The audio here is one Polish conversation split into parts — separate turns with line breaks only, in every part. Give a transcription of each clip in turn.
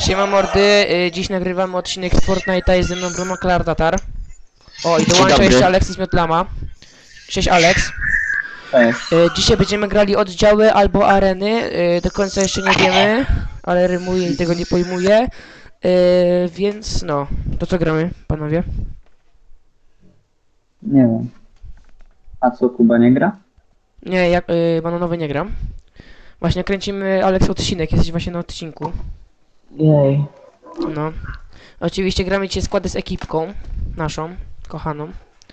Siema mordy, dziś nagrywamy odcinek z Fortnite'a, jest ze mną Bruno Klardatar. O, i dołącza jeszcze Alexis Miotlama. Cześć Alex.
Cześć.
Dzisiaj będziemy grali oddziały albo areny, do końca jeszcze nie wiemy, ale rymuję i tego nie pojmuję. Więc no, to co gramy, panowie?
Nie wiem. A co, Kuba nie gra?
Nie, ja bananowy nie gram. Właśnie kręcimy Alex odcinek, jesteś właśnie na odcinku.
Jej.
No. Oczywiście gramy dzisiaj składy z ekipką naszą, kochaną.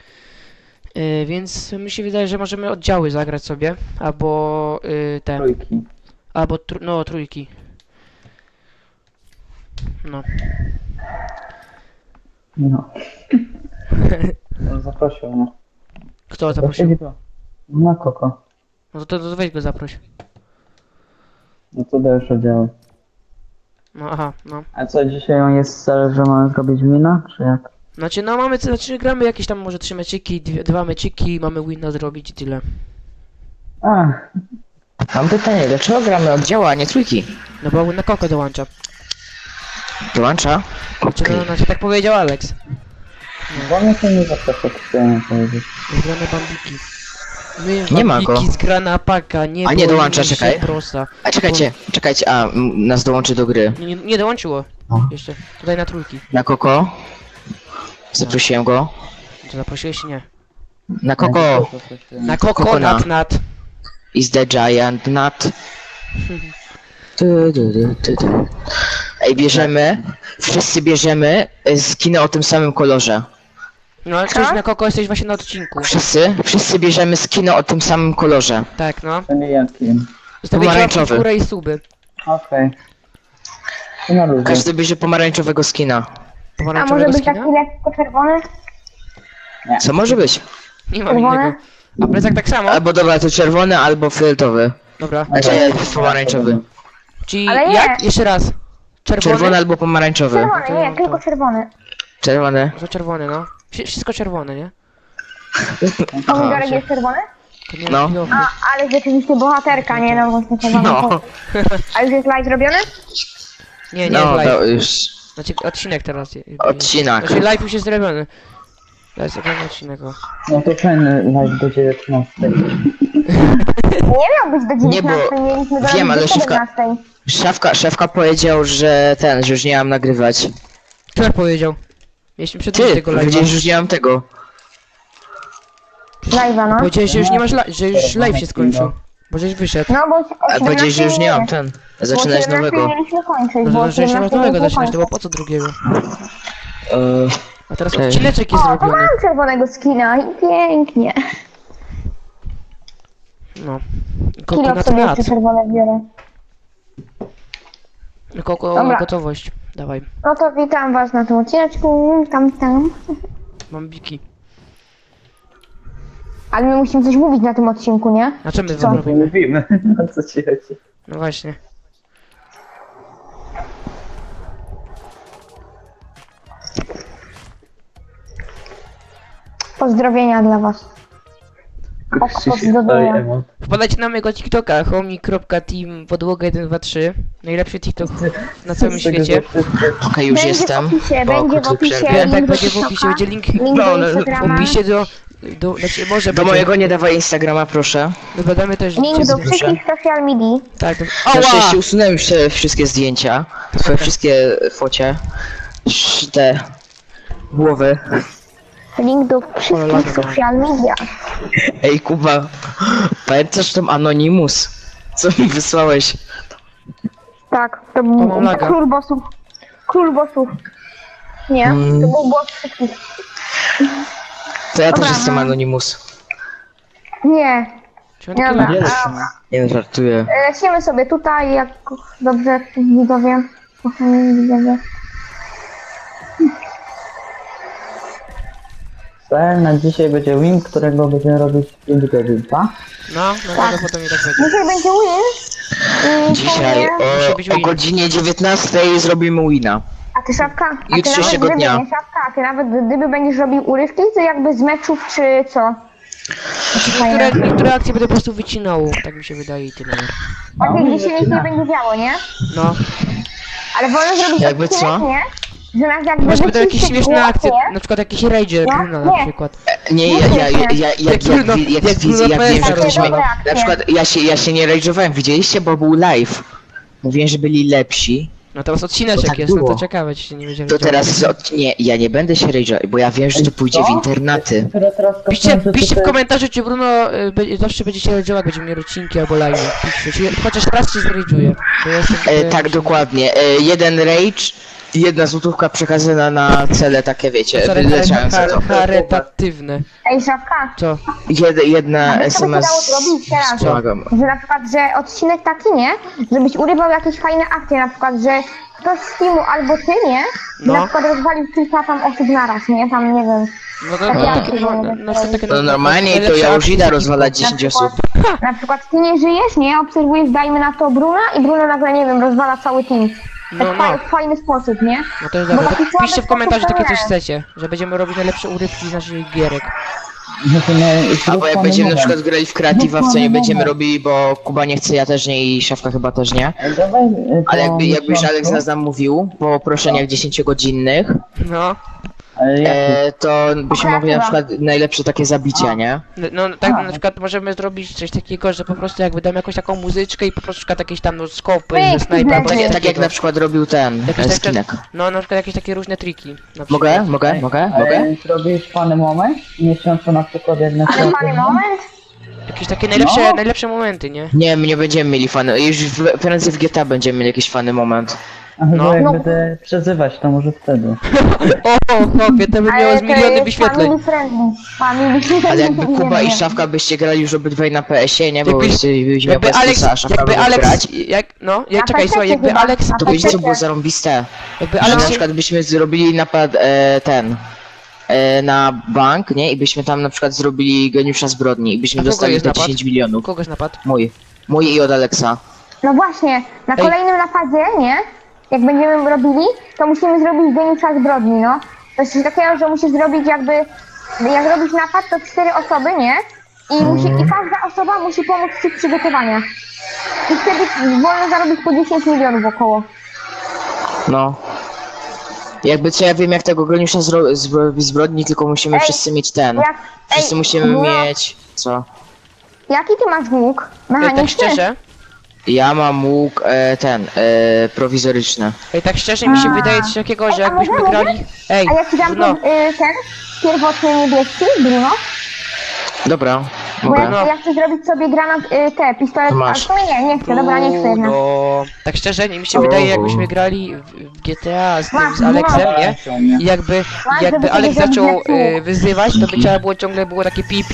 Więc mi się wydaje, że możemy oddziały zagrać sobie, albo te,
Trójki.
albo no trójki. No.
No. On zaprosił, no.
Kto zaprosił?
Na Koko.
No to weź go zaproś.
No to dajesz oddziały.
No aha, no.
A co, dzisiaj on jest cel, że mamy zrobić wina, czy jak?
Znaczy no gramy jakieś tam może 3 meczyki, dwa meczyki, mamy wina zrobić i tyle.
A,
Mam pytanie, dlaczego gramy oddziała, a nie trójki?
No bo na Koko dołącza.
Dołącza?
Znaczy, no, znaczy tak powiedział Alex.
bo mnie to nie zaprosił, chciałem powiedzieć.
Zgrane bambiki. My
Nie ma
bambiki
go.
zgrana paka, nie
A nie
boi
dołącza,
się
czekaj.
prosa.
A czekajcie, nas dołączy do gry.
Nie dołączyło.
No.
Jeszcze. Tutaj na trójki.
Na Koko. Zaprosiłem go.
Czy zaprosiłeś? Nie.
Na Koko
Na Koko,
Kokona.
nat.
is the giant nut. Tu. Ej, wszyscy bierzemy skiny o tym samym kolorze.
No, ale coś na Koko jesteś właśnie na odcinku.
Wszyscy bierzemy skiny o tym samym kolorze.
Tak, no.
To nie jakim.
Zostawię łapki w
Pomarańczowy.
górę i suby.
Okej. To na ludzie.
Każdy bierze pomarańczowego skina.
A może
Pomarańczowego
być taki
skina?
lekko czerwony?
Co może być?
Nie mam
Czerwone?
innego. A plecak tak samo?
Albo dobra, to czerwony, albo fioletowy.
Dobra.
Znaczy pomarańczowy.
Czyli
Ale
jak?
nie.
Jeszcze raz.
Czerwony
Czerwony?
albo pomarańczowy.
Czerwony, nie,
to-
tylko czerwony.
Czerwony.
Że czerwony, no. Wszystko czerwone, nie?
Pomidorek jest czerwony?
To nie
No.
chwilowo.
A, ale rzeczywiście bohaterka, nie no, właśnie czerwony.
No,
A już jest live zrobiony?
Nie
no,
live.
to już.
Znaczy odcinek teraz.
Odcinek.
Znaczy live już jest zrobiony. To jest oglądany odcinek. O.
No to fajny live do 19.
Nie miał być do 19,
Nie, bo
mieliśmy do
wiem, ale
do
szefka-
17.
Szefka powiedział, że już nie mam nagrywać.
Kto tak powiedział? Mieliśmy przed
Ty,
tego live'a.
powiedziałeś, że już nie mam tego.
Live'a, no.
Powiedziałeś, że już nie masz że już live się skończył. Bo żeś wyszedł.
No bo się
A powiedziałeś, że już nie mam
ten.
zaczynać nowego.
mieliśmy kończyć,
No
bo
to że jeszcze masz
17
nowego
mieliśmy
zaczynać, to było
kończyć.
po co drugiego?
Eee,
A teraz
Ej.
odcineczek jest
O, to
zrobiony.
mam czerwonego skina i pięknie.
No.
Kilo
Kokonat
sobie
nat.
jeszcze czerwone biorę.
Koko,
Dobra.
gotowość. Dawaj.
No to witam was na tym odcineczku, tam.
Mam biki.
Ale my musimy coś mówić na tym odcinku, nie?
A czym my
Co?
wam
Nie
robimy?
mówimy, o co ci chodzi.
No właśnie.
Pozdrowienia dla was. Pozdrowienia.
Wpadajcie na mojego TikToka, homie.team podłoga 123. Najlepszy TikTok na całym świecie.
Okej, już jestem.
W opisie,
Po
będzie w
krótkiej
opisie.
przerwie.
Tak,
link do
będzie w opisie,
TikToka,
będzie link
link
No,
do
no,
w
Instagrama,
opisie znaczy może
Do
będzie.
mojego nie dawaj Instagrama, proszę.
link
Dodamy też
do
proszę.
wszystkich social media.
Tak,
Na szczęście usunąłem już te wszystkie zdjęcia. Twoje wszystkie focie. Te głowy.
Link do wszystkich social media.
Ej, Kuba, pamiętasz tą Anonymous? Co mi wysłałeś?
Tak, to
mam
był
laga.
król bossów. Król bossów. Nie, to był boss wszystkich.
To ja też
Dobra,
jestem
no.
Anonymous.
Nie,
Czy on taki
dobra.
ładny?
Nie żartuję.
Lecimy sobie tutaj, jak dobrze widzowie. Kochani widzowie.
Cel na dzisiaj będzie win, którego będziemy robić 5 godzin, tak?
No, no potem i tak będzie.
Dzisiaj będzie win. I
Dzisiaj
Musi być
o
win.
godzinie 19 zrobimy wina.
A ty Szafka? A ty
Jutrzejszego
nawet
dnia.
Gdyby, nie, Szafka, a ty nawet gdyby będziesz robił urywki, to jakby z meczów czy co?
Niektóre akcje będę po prostu wycinał, tak mi się wydaje i tyle.
Takie, gdzie się nic nie będzie działo, nie?
No,
Ale wolno zrobić
Jakby
odcinek,
co?
nie? Że nas jakby
Może będą jakieś
wyciszy
śmieszne
głos,
akcje,
nie?
na przykład jakiś Rager
No,
Bruna na
nie.
przykład.
Nie, jak
Bruno- jak Bruno
wiem,
Pesa
że ktoś
rozwala.
na przykład ja się nie rage'owałem, widzieliście, bo był live. Mówiłem, że byli lepsi.
No teraz
To
odcineczek
tak
jest, no to
było.
ciekawe, czy się nie będzie
To teraz nie, ja nie będę się rage'ował, bo ja wiem, że to pójdzie w
Co?
internaty.
Które teraz
Piszcie,
kopią, że
piszcie w
tutaj-
komentarzu, czy Bruno zawsze będzie się rage'ował, jak będzie miał odcinki albo live. Piszcie, czy chociaż raz się zrage'uje. Bo ja jestem
Tak, dokładnie. Jeden rage, jedna złotówka przekazana na cele takie, wiecie, wyleczające to.
charytatywne.
Ej, Szafka,
Co?
Jedna
co by się dało
SMS
zrobić teraz?
pomagam.
Że na przykład, że odcinek taki, nie? Żebyś urywał jakieś fajne akcje, na przykład, że ktoś z teamu albo ty, nie?
No.
Na przykład rozwalił kilka tam osób naraz, nie? Tam, nie wiem.
No to
Tak,
takie, takie
No normalnie to ja już idę rozwalać 10 osób.
Na przykład ty nie żyjesz, nie? Obserwujesz, dajmy na to Bruna i Bruno nagle, nie wiem, rozwala cały team.
No,
Tak
no.
w fajny sposób, nie?
No to jest
Bo
dobre.
taki
To piszcie w
słaby
komentarzu
sposób
takie
to
coś
nie.
chcecie, że będziemy robić najlepsze urywki z naszych gierek.
że to nie-
Albo jak
zrób
będziemy na
moment.
przykład grali w kreatywa, w co nie będziemy robili, bo Kuba nie chce, ja też nie i Szafka chyba też nie.
Ej, dawaj,
Ale
to
jakbyś
miesiącu.
Alex nas namówił po proszeniach 10-godzinnych,
No.
Ale jak
to byśmy mogli na
Kreatywa.
przykład najlepsze takie zabicia, nie?
No tak na przykład możemy zrobić coś takiego, że po prostu jak wydamy jakąś taką muzyczkę i po prostu przykład jakieś tam no skopy,
Pyk,
że snajper, albo
tak,
coś
Tak jak
takiego.
na przykład robił ten
Jakieś takie-
Skinek.
No na przykład jakieś takie różne triki. Na przykład.
Mogę?
Zrobisz fany moment? Miesiącu na przykład jak na
Ale fajny moment.
Jakieś takie
No.
najlepsze momenty, nie?
Nie, my nie będziemy mieli fany. Już prędzej w GTA będziemy mieli jakiś fany moment.
A
No.
chyba jak
No.
będę przezywać, to może wtedy.
O, chłopie, to by miało
Ale
z
to
miliony
jest
wyświetleń.
family friendly. Family friendly.
Ale jakby Kuba
Nie,
i
nie.
Szafka byście grali już obydwaj na PS-ie, nie? Bo
Jakbyś-
byście miał
Jakby
bez
Alex,
plusa, a Szafka
jakby
by
Alex,
grać.
Na
czekaj, słuchaj,
PC
jakby
chyba,
Alex,
na
To wiecie co
PC.
było zarąbiste?
jakby
Że
Alex
na
się,
przykład byśmy zrobili napad na bank, nie? I byśmy tam na przykład zrobili geniusza zbrodni i byśmy
A kogo
dostali
jest
te
napad?
10 milionów.
kogoś napadł?
Mój i od Alexa.
No właśnie, na
Ej.
kolejnym napadzie, nie? Jak będziemy robili, to musimy zrobić geniusza zbrodni, no. To jest coś takiego, że musisz zrobić jakby, jak robisz napad, to 4 osoby, nie? I każda osoba musi pomóc ci w przygotowaniach. I wtedy wolno zarobić po 10 milionów około.
No. Jakby co, ja wiem jak tego geniusza zbrodni, tylko musimy
Ej,
wszyscy mieć ten.
Jak,
Wszyscy musimy
no,
mieć... Co?
Jaki ty masz łuk?
Ej, tak
Mechaniczny?
szczerze,
prowizoryczny.
tak szczerze mi się wydaje coś takiego, że
Ej, a
jakbyśmy
możemy?
grali... Ej,
A ja ci dam
no,
ten pierwotny niebieski, Bruno?
Dobra,
Bo
mogę.
ja chcę zrobić sobie granat, te pistolet,
To
a
masz.
w sumie nie chcę, dobra, nie chcę jednak.
no, tak szczerze, mi się wydaje, jakbyśmy grali w GTA z tym,
Masz,
z Alexem,
no.
nie? I jakby
żeby sobie
Alex
zrobić
zaczął
jak słuch.
wyzywać, to by trzeba było ciągle było takie pi,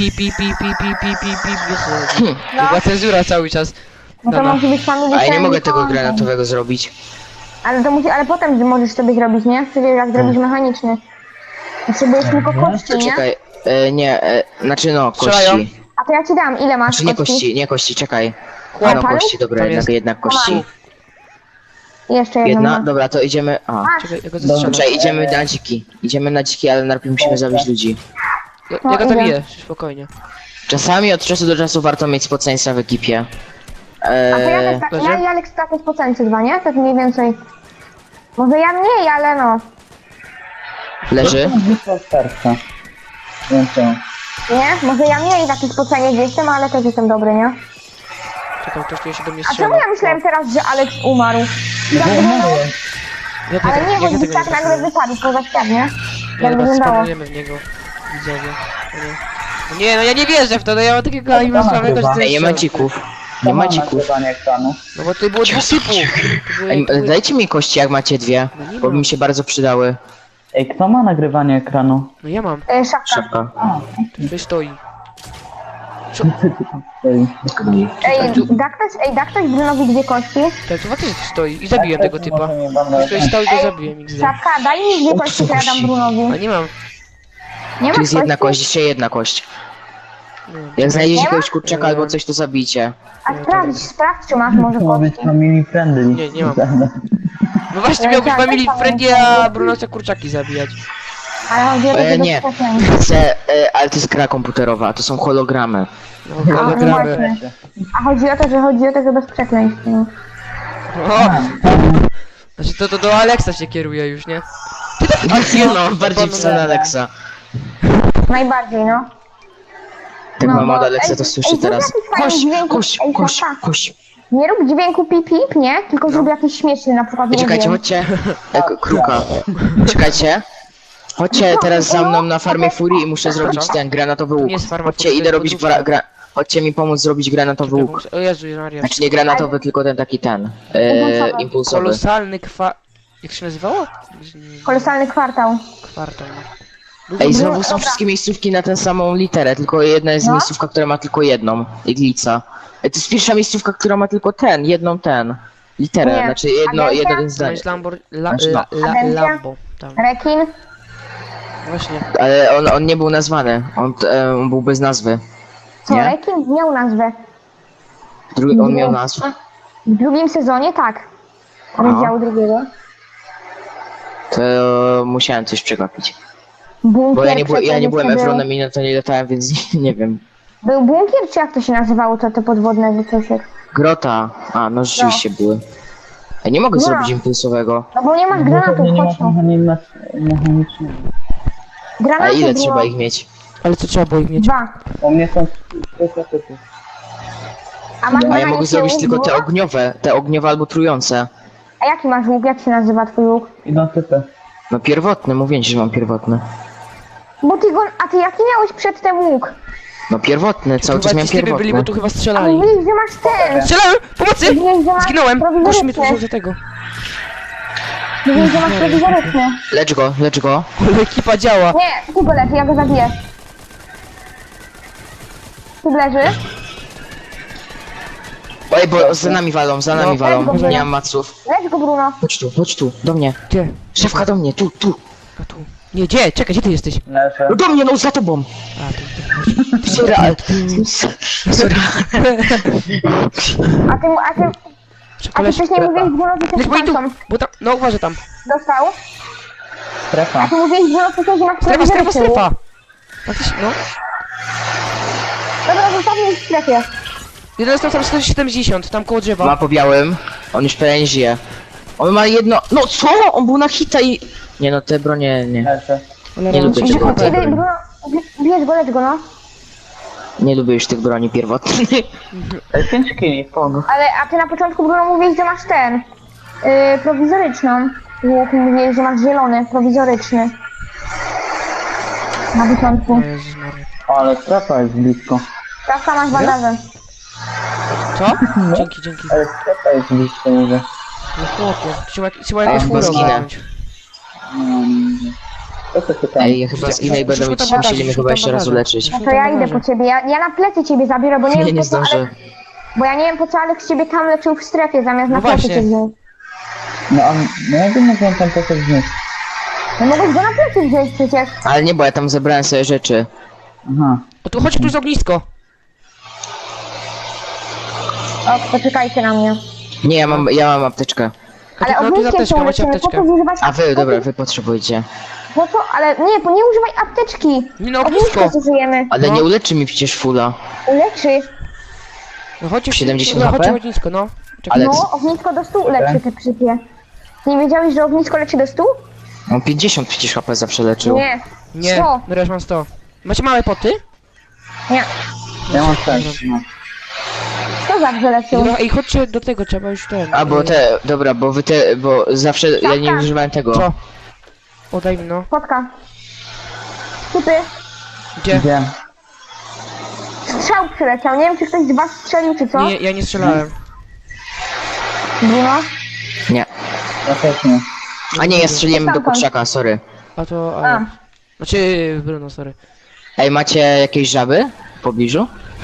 wiesz, była cenzura cały czas.
No to musi być family
A ja nie
friendly
mogę tego
content.
granatowego zrobić.
Ale potem możesz sobie zrobić, nie? Przecież jak zrobisz mechaniczny. Potrzebujesz tylko kości,
To
nie?
czekaj, znaczy no,
Strzelają.
kości.
A to ja ci dam, ile masz
Znaczy nie kości, czekaj.
Chłop.
No kości, dobra,
Tam jest.
jednak kości.
Jeszcze jedną
Jedna,
mam.
dobra, to idziemy... A.
Czekaj, ja go zastrzelam.
Czekaj, idziemy na dziki. Idziemy na dziki, ale najpierw musimy zabić ludzi.
Ja
No,
go
idę.
zabiję, spokojnie.
Czasami od czasu do czasu warto mieć spoceństwa w ekipie.
A to ja też tak,
Dobrze.
ja i Alex tak jest po cencie dwa, nie? Tak mniej więcej. Może ja mniej, ale no.
Leży?
Zwykła starca. Wiem co.
Nie? Może ja mniej taki spocenie gdzieś jestem, ale też jestem dobry, nie?
Czekaj, ktoś tu się do mnie
A
strzela.
czemu ja myślałem teraz, że Alex umarł?
No
Jak
bo
wyglądało?
umarłem.
Ja
Ale nie,
ja
bo
tego
tak
nie
nagle
trafiłem.
wypadł poza świat, nie?
Nie,
Jak
dobra,
wyglądało?
spanujemy w niego. Widzowie. O nie. O nie, no ja nie wierzę w to, no ja mam takiego anima
Dobra,
słabego, że
chyba.
to
Ej,
jest
nie ma
szok.
dzików.
To
Nie ma
mam
dzików.
nagrywanie ekranu.
No bo tutaj było dwóch typów. To były-
Ej,
to były-
dajcie mi kości, jak macie dwie,
No nie
bo by
mam.
mi się bardzo przydały.
Ej, kto ma nagrywanie ekranu?
No ja mam,
Szafka.
Szafka.
tutaj stoi.
Ej,
Da ktoś Brunowi dwie kości?
Tak, to faktycznie tu stoi i zabiłem tego typa.
może mnie wam
Tutaj stał i go zabiłem, XD.
Szafka, daj mi dwie kości, to ja dam
A
Brunowi.
nie mam.
Nie
Tu
ma
jest jedna
kości?
kość, jeszcze jedna kość.
Nie mam.
Jak znajdziecie
Nie ma?
jakiegoś kurczaka albo coś, to zabijcie.
A sprawdź, czy masz może
To ma być
kości.
family friendly.
Nie, nie mam. No właśnie, miał być
Tak,
family
tak,
friendly, a Bruno chce kurczaki zabijać.
Ale chodzi o to, że
Nie. Chcę, ale to jest gra komputerowa, to są hologramy.
No,
A,
hologramy.
właśnie. A chodzi o to, że bez przekleństw. No.
O! Znaczy to do Alexa się kieruje już, nie?
Nie no, bardziej w stronę Alexa.
Najbardziej, no.
Tak
No,
mama od
bo-
Alexa
ej,
to słyszy
ej, zrób
teraz.
jakiś fajny
Kość,
dźwięk.
kość,
Ej,
kość,
tata.
kość.
Nie rób dźwięku pip pip, nie? Tylko zrób jakiś śmieszny, na przykład,
Ej,
nie
czekajcie,
wiem.
chodźcie. Kruka. Czekajcie. Chodźcie teraz za mną na farmie Furii i muszę zrobić ten granatowy łuk.
nie jest farma
Chodźcie,
Furii, to
idę
jest
robić
podróbka.
Chodźcie mi pomóc zrobić granatowy łuk.
O Jezu, Maria.
Znaczy nie granatowy, tylko ten taki ten. Impulsowy.
Kolosalny Jak się nazywało?
Kolosalny kwartał.
Kwartał.
Ej, znowu są wszystkie miejscówki na tę samą literę, tylko jedna jest
No.
miejscówka, która ma tylko jedną. Iglica. Ej, to jest pierwsza miejscówka, która ma tylko jedną literę,
Nie.
znaczy
Agencja?
jedno
To
zdanie.
jest
Agencja?
Lambo. Tam.
Rekin.
Właśnie.
Ale on nie był nazwany, on był bez nazwy.
Co,
Nie?
rekin miał nazwę.
On miał nazwę?
W drugim sezonie tak. Rozdziału drugiego.
To musiałem coś przegapić.
Bunkier
Bo ja nie byłem
przecież był.
Efronem i na to nie latałem, więc nie wiem.
Był bunkier, czy jak to się nazywało, to podwodne wycosie?
Grota. A, no rzeczywiście były. Ej, nie mogę
No.
zrobić impulsowego.
No bo nie masz
Bo
granatów,
pewnie nie
chodź
ma
no.
mechanicznego.
A
Granaty
ile
było
trzeba ich mieć?
Ale co trzeba było ich mieć?
2.
U mnie są 3 typy.
A masz
A ja mogę
mechaniczny
zrobić
łuk
tylko te
było?
ogniowe albo trujące.
A jaki masz łuk? Jak się nazywa twój łuk?
Idą typy.
No pierwotny, mówię ci, że mam pierwotny.
Bo ty go... A ty jaki miałeś przedtem łuk?
No pierwotny, cały czas
Chyba
miałem
ci z tymi byli, bo
pierwotny.
tu chyba
A
strzelali.
mówiłeś, że masz ten!
Strzelałem! Pomocy!
Mówiłeś, że masz
Zginąłem! Gość mnie tu
prowizoryczny.
wziął za tego.
Mówiłeś, że masz prowizoryczny.
Lecz go.
Ale ekipa działa.
Nie, ty go leży, ja go zabiję. Tu leży.
Ej, bo za nami walą,
No.
nie mam maców.
Lecz go, Bruno.
Chodź tu, do mnie.
Gdzie?
Szefka do mnie, tu.
A tu. Nie, gdzie? Czekaj, gdzie ty jesteś?
Leżę.
No do mnie, no za tobą.
A, tu.
Sorry, ale... Sorry.
A ty
Czekaj,
wcześniej mówiłeś, Bruno, że
Leć,
jesteś
bo i tu!
fantom.
Bo tam, no uważaj tam.
Dostał.
Strefa.
A ty mówiłeś, Bruno, wcześniej, że masz
Strefa,
prowizoryczny łuk.
Faktycznie, no.
Dobra, zostawmy ich w strefie.
Jeden jest tam 170, tam koło drzewa.
Ma po białym, on już prawie nie żyje. On ma jedno... No co? On był na hita i... Nie no, te bronie nie.
Leżę.
Ale
nie lubię
mam-
tego.
Idę, Bruno, bierz go, lecz go, no.
Nie lubię już tych broni pierwotnych.
5 kili, pog.
Ale, a ty na początku, Bruno, mówiłeś, że masz ten... prowizoryczną. Łuk, mówiłeś, że masz zielony, prowizoryczny. Na początku.
O Jezus Maria.
Ale strefa jest blisko.
Prawka, masz bandaże.
Co? Dzięki.
Ale strefa jest blisko, mówię.
No chłopie, trzeba jakieś
chyba
furą
zginę.
wziąć.
Co to się tam?
Ej, ja chyba zginę i będę
Rzućmy tam
musieli
bagaże,
mnie
rzućmy
chyba
tam
jeszcze raz
bagaże.
uleczyć.
No to ja idę po ciebie, ja na plecy ciebie zabiorę, bo nie
Nie,
wiem
nie
po co,
zdążę.
ale... Bo ja nie wiem po co Alex ciebie tam leczył w strefie, zamiast
No
na plecy
właśnie.
cię wziąć.
No a no ja bym mógł tam to wziąć.
No mogłeś go na plecy wziąć przecież.
Ale nie, bo ja tam zebrałem sobie rzeczy.
Aha.
O tu chodź, tu jest ognisko.
O, poczekajcie na mnie.
Nie, ja mam apteczkę.
Ale
No tu
ogniskiem
apteczka,
się
macie
leczymy, po
apteczkę.
co zużywać
A wy, dobra, wy potrzebujecie.
Po co? Ale nie, bo nie używaj apteczki.
Nie no,
Ognisko
ognisko.
zużyjemy.
Ale
No.
nie uleczy mi przecież fula.
Uleczy.
No chodźcie,
70
no, chodźcie
HP?
ognisko, no. Czekaj.
Ale
No, ognisko do 100 leczy te przypie. Nie wiedziałeś, że ognisko leczy do 100?
on 50 przecież HP zawsze leczył.
Nie.
Nie,
100.
no ja już mam 100. Macie małe poty?
Nie.
Ja mam też. No.
Kto zawsze leczył?
Ej, chodźcie do tego, trzeba już ten.
A bo dobra, bo zawsze ja nie używałem tego.
Co? O, daj mi no.
Spotka. Typy.
Gdzie?
Gdzie?
Strzał przyleciał. Nie wiem, czy ktoś z was strzelił, czy co?
Nie, ja nie strzelałem.
Bruno.
Nie.
Ja też nie.
A nie, ja strzeliłem do kurczaka, sorry.
A to,
A.
ale... Znaczy, Bruno, sorry.
Ej, macie jakieś żaby w pobliżu?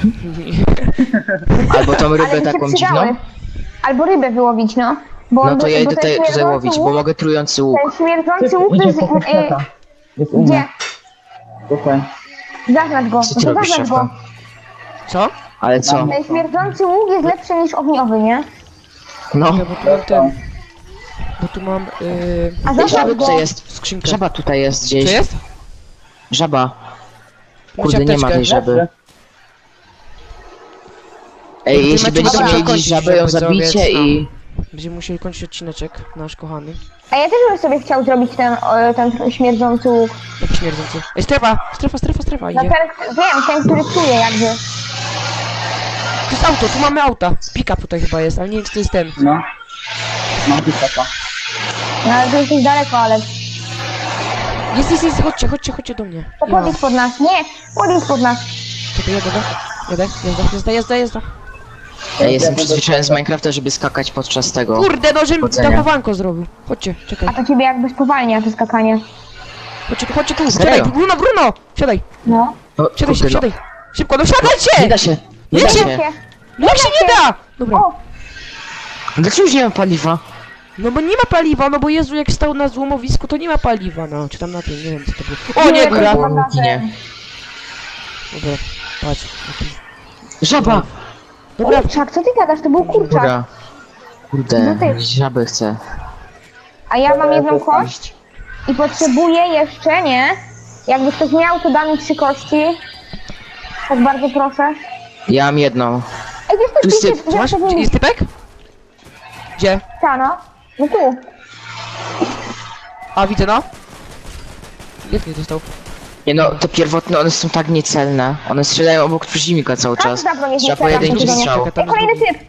Albo tą
Ale
rybę
by się
taką
przydały.
dziwną?
Albo rybę wyłowić, no. Bo
No
on-
to ja
bo
idę
ten
tutaj
śmierdzący
łowić, bo
łuk-
mogę trujący łuk.
Ten śmierdzący
Typ
łuk
idzie
jest...
po kurczaka. Jest u
Gdzie?
mnie. Tutaj.
Zaznacz go.
Co
No
ty
to
robisz,
zaznacz
szefka?
go.
Co?
Ale co?
Ten śmierdzący łuk jest lepszy niż ogniowy, nie?
No.
Ja, bo tu mam ten... Bo tu mam,
A
Ej,
zaznacz
żaby
go.
tutaj jest.
skrzynkę.
Żaba tutaj jest
Co
gdzieś.
jest?
Żaba.
Macie
Kurde, nie ma
apteczkę?
tej żaby.
Leży.
Ej,
Ty
jeśli
macie
będziecie
dobra
mieli gdzieś
kości,
żabę, ją
żeby
zabicie
zrobić,
i...
Będziemy musieli kończyć odcineczek, nasz kochany.
A ja też bym sobie chciał zrobić ten śmierdzący łuk.
Jaki śmierdzący. Ej, strefa,
No
idzie.
ten, który czuje jakby.
Tu jest auto, tu mamy auta. Pick-up tutaj chyba jest, ale nie wiem, czy to jest ten.
No. Mam pistaka.
No ale to jesteś daleko, ale...
Jest, chodźcie do mnie.
To
Nie ma.
podjedź pod nas. Nie, podjedź pod nas.
Czekaj, jazda.
Ja jestem przyzwyczajony z Minecrafta, żeby skakać podczas tego.
Kurde, no, żebym
Chodzenia.
dachowanko zrobił. Chodźcie, czekaj.
A to ciebie jakby spowalnia to skakanie.
Chodźcie tu,
Serio?
siadaj, Bruno! Siadaj,
No.
O,
siadaj,
kurde,
siadaj. Szybko, no
Nie
siadajcie!
da się. Nie da
Wiecie?
się.
No jak się nie da! Dobra.
O,
Dlaczego już nie ma paliwa?
No bo nie ma paliwa, no bo Jezu, jak stał na złomowisku, to nie ma paliwa, no. Czy tam na tym, nie wiem co to było. O nie,
Nie,
góra!
to-
Nie.
Dobra, patrz.
Żaba!
Dobra,
kurczak, co ty gadasz? To był kurczak.
Góra. Kurde,
No ty.
żaby chcę.
A ja mam jedną kość i potrzebuję jeszcze, nie? Jakby ktoś miał, to da mi 3 kości. Tak bardzo proszę.
Ja mam jedną.
Ej, wiesz,
Tu
to
syp,
jest,
masz? Gdzie jest typek? Gdzie?
no. No tu.
A, widzę, no. Jak nie dostał?
Nie no, te pierwotne, one są tak niecelne. One strzelają obok przeciwnika cały czas.
Tak, dobra, nie
Trzeba
strzelam,
pojedynczy
to nie.
strzał.
Czekaj, tam
Ej, kolejny
jest drugi.
typ.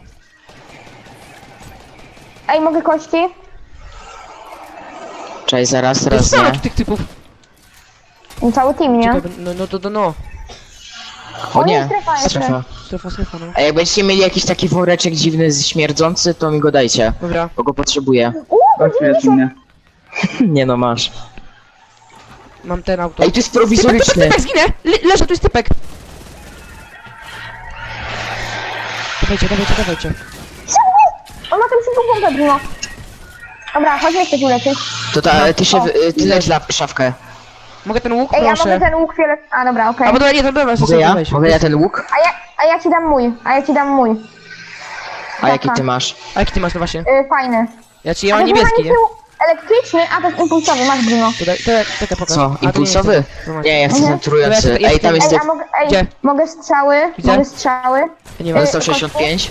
Ej, mogę kości?
Czekaj, zaraz,
To jest
teraz
mało
nie.
tych typów.
No, cały team, nie?
Czekaj, no.
O
O, nie,
nie,
strefa jeszcze.
strefa.
Strefa, no.
A jak będziecie mieli jakiś taki woreczek dziwny, śmierdzący, to mi go dajcie.
Dobra.
Bo go potrzebuję.
Chodź, jest u mnie.
Nie no, masz.
Mam ten auto.
Ej, to jest prowizoryczny.
Typek, zginę! Leżę, tu jest typek! Dawajcie.
On ma tam szybką pompę, Bruno. Dobra, chodźmy ktoś uleczyć.
To ty się, ty leć na szafkę.
Mogę ten łuk?
Ej, ja mogę
Proszę.
ten łuk fiolet... A, dobra, okej.
A, bo nie, to dobra,
Mogę ja?
weź.
Mogę ja ten łuk?
A ja ci dam mój.
A jaki ty masz?
A jaki ty masz, no właśnie?
Fajny.
Ja mam niebieski, nie?
Elektryczny, a to jest impulsowy, masz Bruno.
Czekaj, pokaż.
Co?
A, to
Impulsowy?
jest to. No masz.
Nie, ja chcę
Mhm.
ten trujący.
Dobra,
Ej, tam jest
Ej,
typ.
a mogę,
Gdzie?
mogę strzały,
Widzę.
mogę strzały.
Ja nie mam.
Dostał 65.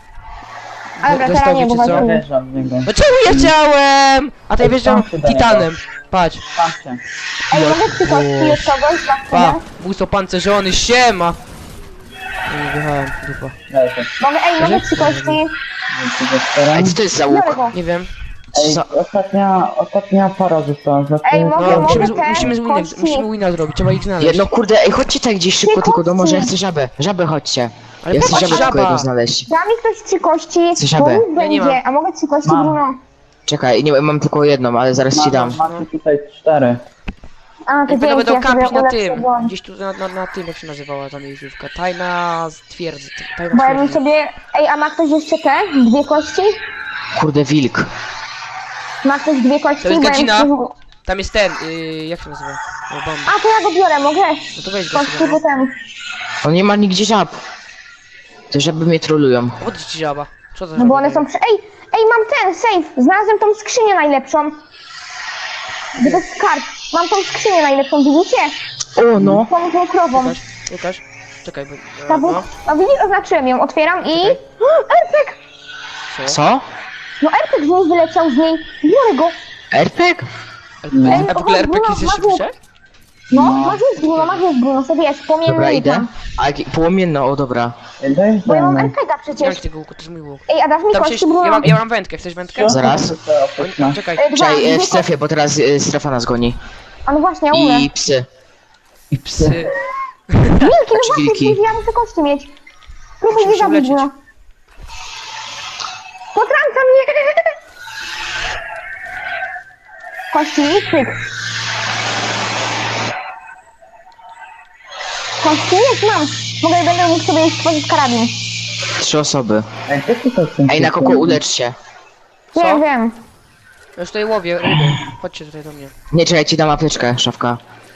A dobra,
Dostał
teraz nie,
mi,
bo
czy co?
właśnie...
Wjeżdżam w niego.
No czemu ja chciałem? A to ja wjeżdżam
Tam się daje,
titanem. Patrz.
Patrzcie.
Ej, mogę 3 kości od kogoś dla
Pa,
ciebie?
bus opancerzony, siema! Nie wjechałem, dupa.
Leży.
Mogę 3 kości.
Ej, co to jest za łuk?
Biorę go.
Nie wiem.
Ej,
Co?
ostatnia para została. Znaczy,
Ej, mogę-
No, musimy
kości.
musimy wina zrobić, trzeba ich znaleźć.
Jedno kurde, ej, chodźcie tak gdzieś szybko, tylko do morza, ja chcę żabę. Żabę chodźcie.
Ale
Ja chcę
patrz,
żabę tylko
żaba.
jedną znaleźć.
Da mi ktoś 3 kości,
Chcę żabę.
bo łuk
Ja nie mam.
będzie, a mogę 3 kości,
Mam.
Bruno.
Czekaj, nie, mam tylko jedną, ale zaraz ci dam.
Macie tutaj 4.
A, to
I będą
dzięki, ja
kampić
sobie
na
ulepszę
tym.
broń.
Gdzieś tu na tym, jak się nazywała ta miejscówka. Tajna twierdzy. Tajna
Bo ja bym
twierdzy.
sobie... Ej, a ma ktoś jeszcze te? 2 kości?
Kurde, wilk.
Ma ktoś 2 kości?
To jest
Bo ja
godzina.
bym-
Tam jest ten, jak się nazywa? O, bomba.
A, to ja go biorę, mogę?
No to weź go
Kości
sobie. No.
potem.
On nie ma nigdzie żab. Te żaby mnie trolują.
Odejdź ci żaba. Co za
No bo one
żaba?
są przy... Ej, mam ten, safe! Znalazłem tą skrzynię najlepszą. Gdzie to jest skarb? Mam tą skrzynię najlepszą, widzicie?
O, no.
Tą krową.
Łukasz. Czekaj, bo...
Ta bu...
No.
No widzisz, oznaczyłem ją, otwieram i...
Czekaj.
RPG!
Co?
No RPG z niej wyleciał z niej. Biorę go.
RPG?
A w ogóle RPG jest jeszcze wyższe?
No, masz już Bruno, sobie wiesz, płomienny
Dobra, idę.
tam.
A jaki płomienno, o dobra.
Bo ja mam
Dojeżdżamy.
RPG
Nie
przecież.
mam tego łuku, to jest mój łuk.
Ej, a dasz mi
Tam się...
kości, Bruno?
Ja mam wędkę, chcesz wędkę?
Zaraz.
O, czekaj.
Dwa,
Czekaj,
dwie
w
kości.
strefie, bo teraz strefa nas goni.
A no właśnie, ja umrę.
I psy.
I psy.
Wilki, no
Znaczy
właśnie,
wilki.
przecież ja muszę kości mieć. Próbuj
Musimy
mnie
się
zabić,
uleczyć.
Bruno. Potrąca mnie! Kości, pyk. Kości jest, mam. Będę mógł sobie już stworzyć karabin.
3 osoby.
Ej, co ty to z tym
Ej, na kogo ulecz się.
Co?
Wiem, wiem.
Ja już tutaj łowię ryby. Chodźcie tutaj do mnie.
Nie, czekaj, ci dam apteczkę, szafka.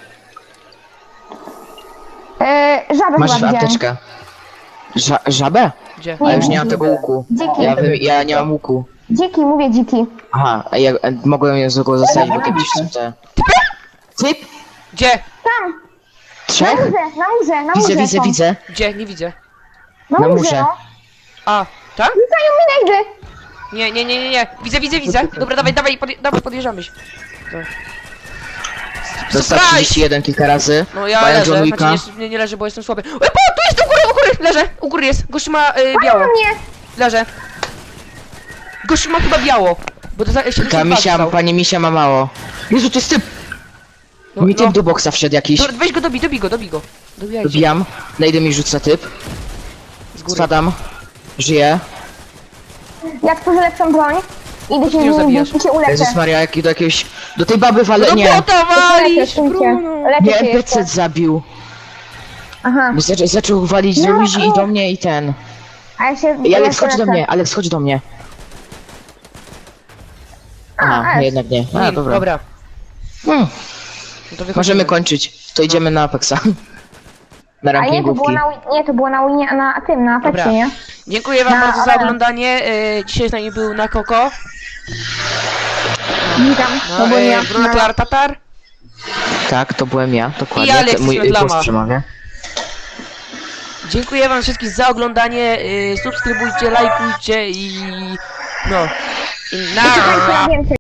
Żabę
Masz
chyba widziałem.
apteczkę. Żabę?
Gdzie?
A już nie mam tego łuku.
Dziki.
Ja nie mam łuku.
Dziki, mówię dziki.
Aha, a ja mogłem ją tylko zostawić, bo kiedyś te... Typ?
Gdzie?
Tam, na
3?
murze, na murze, na murze są.
Widzę.
Gdzie? Nie widzę.
Na
na
murze,
murze.
no.
A, tam?
Rzucają mi najdy.
Nie. Widzę. Dobra, dawaj, podjeżdżamy się.
Dostał
Surprise!
31 kilka razy.
No ja
Mają
leżę,
John Wicka.
znaczy nie leżę, bo jestem słaby. Tu jest, u góry, leżę, u góry jest. Gościu ma biało,
Nie,
leżę. Gościu ma chyba biało, bo to za 72
Ta misia,
dostał.
pani misia ma mało. Jezu, to jest typ! Mi typ do boksa wszedł jakiś.
Dobra, weź go, dobij go. Dobijajcie.
Dobijam. Najdę mi rzuca typ.
Z góry.
Spadam. Żyję.
ja tworzę lepszą broń. Idę się
Ty
z
ją
nimi
zabijasz.
bić i cię uleczę.
Jezus Maria, jaki do jakiejś... Do tej baby wale...
No
nie.
bota walisz,
Uleczę cię.
Bruno.
Leczę
Nie,
cię
NPC
jeszcze.
zabił.
Aha,
Bo zaczął walić z
No,
ludzi i
o.
do mnie i ten.
a ja się...
I Alex,
się
chodź do
leczę.
mnie, Alex, chodź do mnie. Aha,
S.
jednak nie. A, dobra.
Dobra.
Hmm,
No to wychodzimy.
możemy kończyć. To idziemy na Apexa. Na
A nie, to było
rankingówki.
to było na Winie, na tym, na
Dobra.
Apexie, nie?
Dziękuję wam
No,
bardzo za
ale-
oglądanie. Dzisiaj z nami był na Koko.
Witam,
No,
ogólnie.
Bruno Klar Tatar.
Tak, to byłem ja, dokładnie.
I Alexis
Mój
Mędlama.
głos przemawia.
Dziękuję wam wszystkim za oglądanie. Subskrybujcie, lajkujcie i no. I
Czekajcie na
na.
więcej.